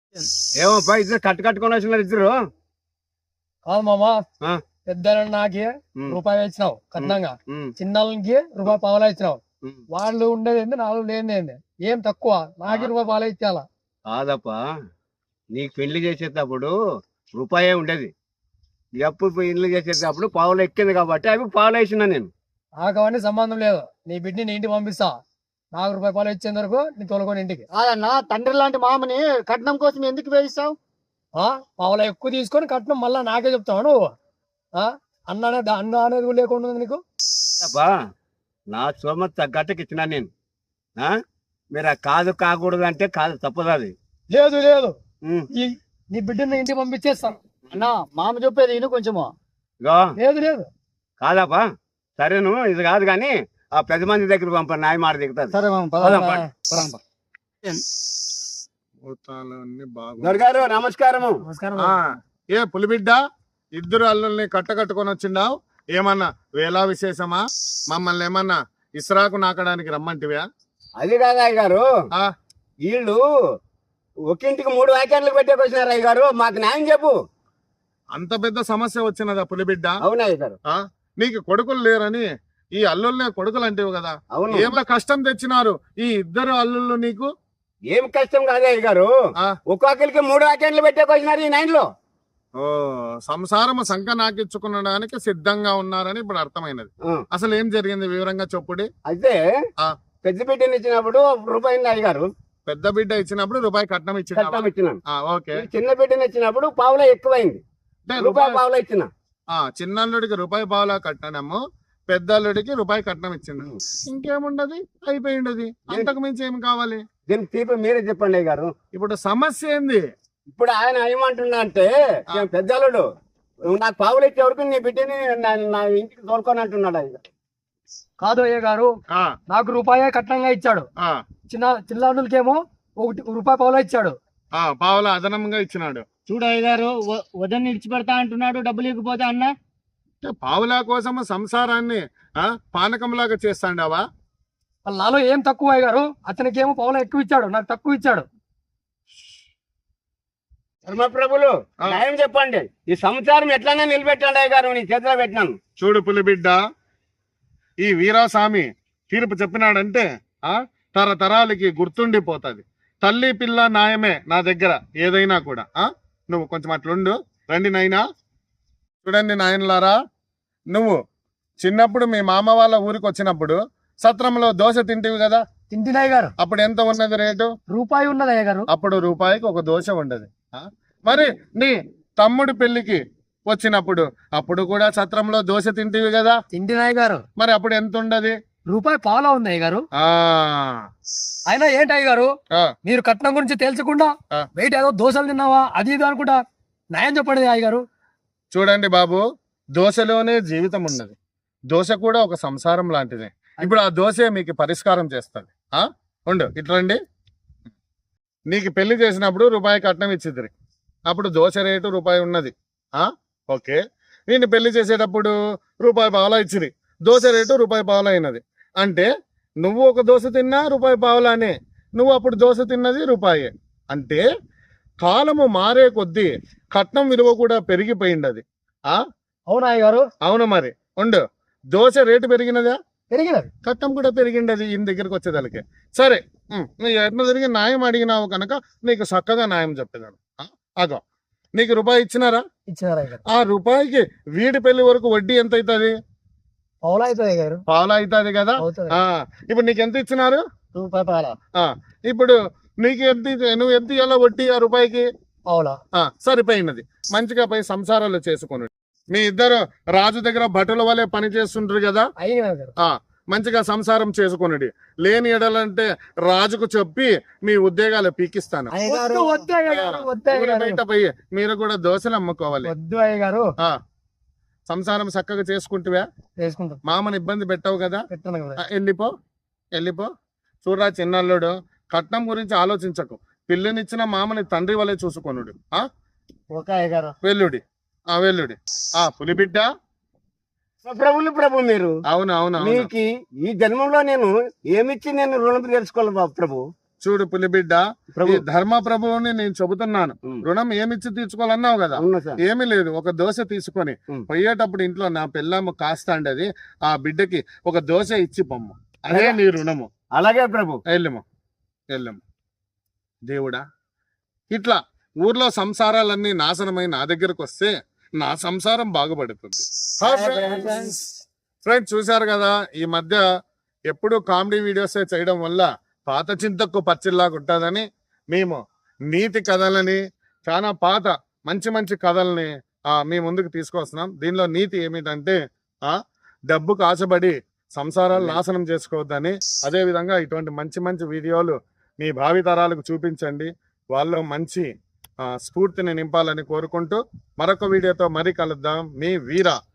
ఏమో ఇద్దరు కట్టుకొని వచ్చినారు ఇద్దరు. కాదు మామా, ఆ, పెద్ద నాకి ఉమ్, రూపాయి ఇచ్చినావు కట్నంగా, ఉమ్, చిన్నకి రూపాయి పావలా ఇచ్చినావు. ఉమ్. వాళ్ళు ఉండేది ఏంది, నాలుగు లేనిది ఏంది? ఏం తక్కువ? నాకి రూపాయి పావలా ఇచ్చేయాలా? కాదప్పా, నీకు పెళ్లి చేసేటప్పుడు రూపాయే ఉండేది. ఎప్పుడు పెళ్లి చేసేటప్పుడు పావులు ఎక్కింది కాబట్టి అవి పావులు వేసిన నేను. నాకు అవన్నీ సంబంధం లేదు. నీ బిడ్డని నీ ఇంటికి పంపిస్తా. నాకు రూపాయి పాలు ఇచ్చేంత వరకు నీ తోలుకొని ఇంటికి. కాదన్నా, తండ్రి లాంటి మామని కట్నం కోసం ఎందుకు వేయిస్తావు? పావులా ఎక్కువ తీసుకొని కట్నం మళ్ళా నాకే చెప్తావు నువ్వు? అన్న అనేది కూడా లేకుండా ఉంది నీకు. అబ్బా, నా సోమత తగ్గట్టుకు ఇచ్చినా నేను. ఆ, మీరు ఆ కాదు కాకూడదు అంటే కాదు, తప్పదు అది. లేదు లేదు, ఉమ్, నీ బిడ్డని ఇంటికి పంపించేస్తాను. అన్నా, మామ చెప్పేది ఇను కొంచెము. ఇగో లేదు లేదు, కాదప్పా, సరేను ఇది కాదు కానీ ఆ పెద్ద మంది దగ్గర పంప నాయ మాట దిగుతుంది. సరే మామ, పోదాం, పద. దొరగారు నమస్కారము. నమస్కారం. ఏ పులిబిడ్డ, ఇద్దరు అల్లుల్ని కట్టుకొని వచ్చిండావు. ఏమన్నా వేలా విశేషమా? మమ్మల్ని ఏమన్నా ఇస్రాకు నాకడానికి రమ్మంటివా? అది కాదు అయ్య గారు, ఆ, వీళ్ళు ఒకింటికి 3 వ్యాఖ్యానాలు పెట్టేకొచ్చినారు అయ్య గారు, మాకు న్యాయం చెప్పు. అంత పెద్ద సమస్య వచ్చినదా పులిబిడ్డ? అవునా అయ్య గారు? ఆ, నీకు కొడుకులు లేరని ఈ అల్లుల్నే కొడుకులు అంటేవు కదా. అవును. ఏమన్నా కష్టం తెచ్చినారు ఈ ఇద్దరు అల్లుళ్ళు నీకు? ఏం కష్టం కాదు అయ్య గారు, ఆ, ఒక్కొక్కరికి 3 వ్యాఖ్యానాలు పెట్టేకొచ్చినారు ఈ 9 లో. ఓ, సంసారము సంఖ నాకించుకునడానికి సిద్ధంగా ఉన్నారని ఇప్పుడు అర్థమైనది. ఆ, అసలు ఏం జరిగింది వివరంగా చెప్పుడి. అయితే ఆ, పెద్ద బిడ్డని ఇచ్చినప్పుడు రూపాయి అయ్య గారు, పెద్ద బిడ్డ ఇచ్చినప్పుడు రూపాయి కట్నం కట్టం ఇచ్చిన. ఇచ్చినాను. ఓకే. ఈ చిన్న బిడ్డని ఇచ్చినప్పుడు పావులా ఎక్కువైంది, అంటే రూపాయి పావులా ఇచ్చిన. చిన్నల్లుడికి రూపాయి పావులా కట్టడము, పెద్దల్లుడికి రూపాయి కట్నం ఇచ్చిండు. ఇంకేముండదు, అయిపోయిండది. అంతకు మించి ఏం కావాలి? దీనికి తీపి మీరే చెప్పండి అయ్య గారు. ఇప్పుడు సమస్య ఏంది? ఇప్పుడు ఆయన ఏమంటున్నా అంటే, పెద్దలుడు నాకు పావులు ఇచ్చే వరకు నీ బిడ్డని నా ఇంటికి తోలుకొని అంటున్నాడు అయ్య గారు. కాదు అయ్య గారు, ఆ, నాకు రూపాయే కట్నంగా ఇచ్చాడు. ఆ, చిల్లానులకేమో రూపాయి పావులా ఇచ్చాడు. పావులా అదనంగా ఇచ్చినాడు. చూడు అయ్య గారు, వదని విడిచిపెడతా అంటున్నాడు, డబ్బులు ఇవ్వకపోతే అన్న. అంటే పావులా కోసము సంసారాన్ని పానకంలాగా చేస్తాండావా? నాలో ఏం తక్కువ అయ్య గారు? అతనికేమో పావులా ఎక్కువ ఇచ్చాడు, నాకు తక్కువ ఇచ్చాడు. ధర్మప్రభులు న్యాయం చెప్పండి, ఈ సంసారం ఎట్లన్నా నిలబెట్టండి అయ్య గారు, నీ చేతిలో పెట్టినాను. చూడు పులిబిడ్డ, ఈ వీరాస్వామి తీర్పు చెప్పినాడంటే తరతరాలకి గుర్తుండిపోతుంది. తల్లి పిల్ల న్యాయమే నా దగ్గర ఏదైనా కూడా. నువ్వు కొంచెం అట్లుండు. రండి నాయనా. చూడండి నాయనలారా, నువ్వు చిన్నప్పుడు మీ మామ వాళ్ళ ఊరికి వచ్చినప్పుడు సత్రంలో దోశ తింటివి కదా. తింటినాయ్ గారు. అప్పుడు ఎంత ఉన్నది రేటు? రూపాయి ఉన్నది అయ్య గారు. అప్పుడు రూపాయికి ఒక దోశ ఉండదు. మరి నీ తమ్ముడి పెళ్లికి వచ్చినప్పుడు అప్పుడు కూడా సత్రంలో దోశ తింటివి కదా. తింటినాయ్ గారు. మరి అప్పుడు ఎంత ఉండదు? రూపాయి పావులా ఉంది అయ్య గారు. అయినా ఏంటి అయ్య గారు, మీరు కట్నం గురించి తేల్చకుండా బయట ఏదో దోశలు తిన్నావా అది ఇది అనుకుంటా న్యాయం చెప్పండి అయ్య గారు. చూడండి బాబు, దోశలోనే జీవితం ఉన్నది. దోశ కూడా ఒక సంసారం లాంటిదే. ఇప్పుడు ఆ దోశ మీకు పరిష్కారం చేస్తుంది. ఉండు, ఇట్లండి. నీకు పెళ్లి చేసినప్పుడు రూపాయి కట్నం ఇచ్చిద్దరి, అప్పుడు దోశ రేటు రూపాయి ఉన్నది. ఓకే. నేను పెళ్లి చేసేటప్పుడు రూపాయి పావులా ఇచ్చిరి, దోశ రేటు రూపాయి పావులా అయినది. అంటే నువ్వు ఒక దోశ తిన్నా రూపాయి పావులానే, నువ్వు అప్పుడు దోశ తిన్నది రూపాయే. అంటే కాలము మారే కొద్దీ కట్నం విలువ కూడా పెరిగిపోయింది. అవునా అయ్య గారు? అవును. మరి ఉండు, దోశ రేటు పెరిగినదా? పెరిగినది. కట్నం కూడా పెరిగిండది ఈయన దగ్గరికి వచ్చేదానికి. సరే, నువ్వు ఎట్లా తిరిగి న్యాయం అడిగినావు కనుక నీకు చక్కగా న్యాయం చెప్పేదాను. అగో, నీకు రూపాయి ఇచ్చినారా? ఇచ్చినారు. ఆ రూపాయికి వీడి పెళ్లి వరకు వడ్డీ ఎంత అవుతుంది? పావులా అవుతుంది గారు. పావులా అవుతుంది కదా. ఇప్పుడు నీకు ఎంత ఇచ్చినారు? రూపాయి పావులా. ఇప్పుడు నీకు ఎంత, నువ్వు ఎంత ఇవ్వాలా వడ్డీ ఆ రూపాయికి? పావులా. సరిపోయినది. మంచిగా పోయి సంసారాలు చేసుకుని మీ ఇద్దరు రాజు దగ్గర భటుల వలె పని చేస్తుంటారు కదా. మంచిగా సంసారం చేసుకున్నది. లేని ఎడలంటే రాజుకు చెప్పి మీ ఉద్యోగాలు పీకిస్తాను. బయట పోయి మీరు కూడా దోశలు అమ్ముకోవాలి. వద్దు అయ్య గారు. సంసారం చక్కగా చేసుకుంటువా? చేసుకుంటాం. మామని ఇబ్బంది పెట్టావు కదా. వెళ్ళిపో. చూడరా చిన్నల్లుడు, కట్నం గురించి ఆలోచించకు. పిల్లనిచ్చిన మామని తండ్రి వలె చూసుకొనుడు. వెల్లుడి. పులిబిడ్డ, ప్రభు మీరు. అవును. మీకు ఈ జన్మంలో నేను ఏమిచ్చి నేను రుణం తీర్చుకోవాలి ప్రభు? చూడు పులిబిడ్డ, ఈ ప్రభు ధర్మ ప్రభువుని నేను చెబుతున్నాను. ఉమ్. రుణం ఏమిచ్చి తీర్చుకోవాలన్నావు కదా, అవునా సార్ ఏమీ లేదు. ఒక దోశ తీసుకొని ఉమ్. పోయేటప్పుడు ఇంట్లో నా పిల్లమ్మ కాస్తాండది, ఆ బిడ్డకి ఒక దోశ ఇచ్చి పొమ్ము, అదే నీ రుణము. అలాగే ప్రభు వెళ్ళము వెళ్ళము. దేవుడా, ఇట్లా ఊర్లో సంసారాలన్నీ నాశనమై నా దగ్గరకు వస్తే నా సంసారం బాగుపడుతుంది. ఫ్రెండ్స్ చూశారు కదా, ఈ మధ్య ఎప్పుడు కామెడీ వీడియోస్ చేయడం వల్ల పాత చింతకు పచ్చిల్లాగా ఉంటుందని మేము నీతి కథలని, చాలా పాత మంచి మంచి కథల్ని మీ ముందుకు తీసుకొస్తున్నాం. దీనిలో నీతి ఏమిటంటే డబ్బుకు ఆశపడి సంసారాలు నాశనం చేసుకోవద్దని, అదే విధంగా ఇటువంటి మంచి మంచి వీడియోలు మీ భావితరాలకు చూపించండి, వాళ్ళు మంచి స్ఫూర్తిని నింపాలని కోరుకుంటూ మరొక వీడియోతో మరీ కలుద్దాం. మీ వీర.